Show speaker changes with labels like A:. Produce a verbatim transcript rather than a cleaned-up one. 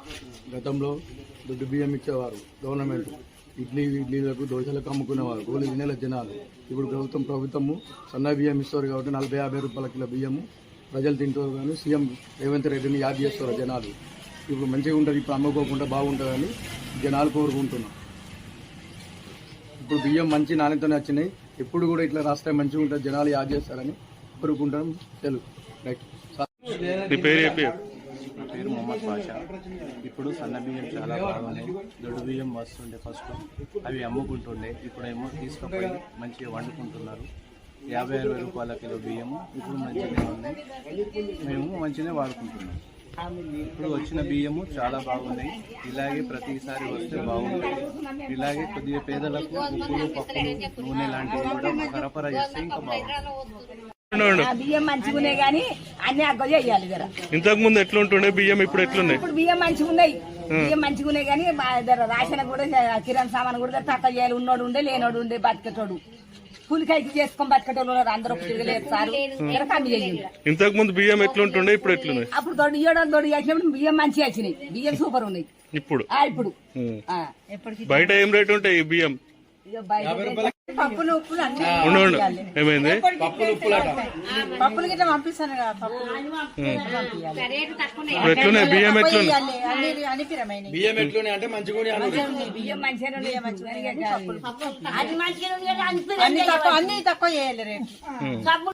A: గతంలో దొడ్డు బియ్యం ఇచ్చేవారు గవర్నమెంట్, ఇడ్లీ ఇడ్లీలకు దోశలకు అమ్ముకునేవారు గోళీ తినేల జనాలు. ఇప్పుడు ప్రభుత్వం ప్రభుత్వము సన్న బియ్యం ఇస్తారు కాబట్టి నలభై యాభై రూపాయల కిలో బియ్యము ప్రజలు తింటారు. కానీ సీఎం రేవంత్ రెడ్డిని యాద్ చేస్తారు జనాలు. ఇప్పుడు మంచిగా ఉంటుంది, ఇప్పుడు అమ్ముకోకుండా బాగుంటుందని జనాలు కోరుకుంటున్నాం. ఇప్పుడు బియ్యం మంచి నాణ్యతనే వచ్చినాయి. ఎప్పుడు కూడా ఇట్లా రాస్తే మంచిగా ఉంటుంది, జనాలు యాద్ చేస్తారని కోరుకుంటాం. తెలుగు రైట్.
B: నా పేరు మొహమ్మద్ బాషా. ఇప్పుడు సన్న బియ్యం చాలా బాగున్నాయి. దొడ్డు బియ్యం వస్తుండే ఫస్ట్, అవి అమ్ముకుంటుండే. ఇప్పుడేమో తీసుకుపోయి మంచిగా వండుకుంటున్నారు. యాభై అరవై రూపాయల కిలో బియ్యము ఇప్పుడు మంచిగానే ఉన్నాయి, మేము మంచిగానే వాడుకుంటున్నాం. ఇప్పుడు వచ్చిన బియ్యము చాలా బాగున్నాయి. ఇలాగే ప్రతిసారి వస్తే బాగుంటుంది. ఇలాగే కొద్దిగా పేదలకు ఉప్పులు పప్పులు నూనె లాంటివి కూడా సరఫరా చేస్తే ఇంకా బాగుంటుంది.
C: బియ్యం మంచిగా గానీ అన్ని అగ్గ చేయాలి జర.
D: ఇంతకు ముందు ఎట్లుంటుండే బియ్యం, ఇప్పుడు ఎట్లున్నాయి?
C: ఇప్పుడు బియ్యం మంచిగా ఉన్నాయి, బియ్యం మంచిగా ఉన్నాయి కానీ రాషన్ కూడా కిరాణా సామాన్ కూడా తక్కువ చేయాలి. ఉన్నోడు ఉండే లేనోడు ఉండే బతికేటోడు కూలికాయకి చేసుకొని బతికేటోళ్ళు ఉన్నారు. అందరూ తిరగలేదు సార్, కమ్మి చేయండి.
D: ఇంతకు ముందు బియ్యం ఎట్లుంటుండే, ఇప్పుడు ఎట్లున్నాయి?
C: అప్పుడు తోడు ఇయ్యడం తోడు చేసినప్పుడు బియ్యం మంచిగా వచ్చినాయి, బియ్యం సూపర్ ఉన్నాయి.
D: ఇప్పుడు
C: ఇప్పుడు
D: బయట ఏం రేట్ ఉంటాయి ఈ బియ్యం?
C: పప్పులు ఉప్పులు అన్ని
D: ఏమైంది?
C: పప్పులు గిట్లా పంపిస్తాను కదా.
D: ఎట్లున్నాయి బియ్యం? ఎట్లున్నాయి
A: బియ్యం ఎట్లున్నాయి అంటే మంచిగా
C: బియ్యం మంచిగా
E: అన్ని తక్కువ చేయాలి రేటు.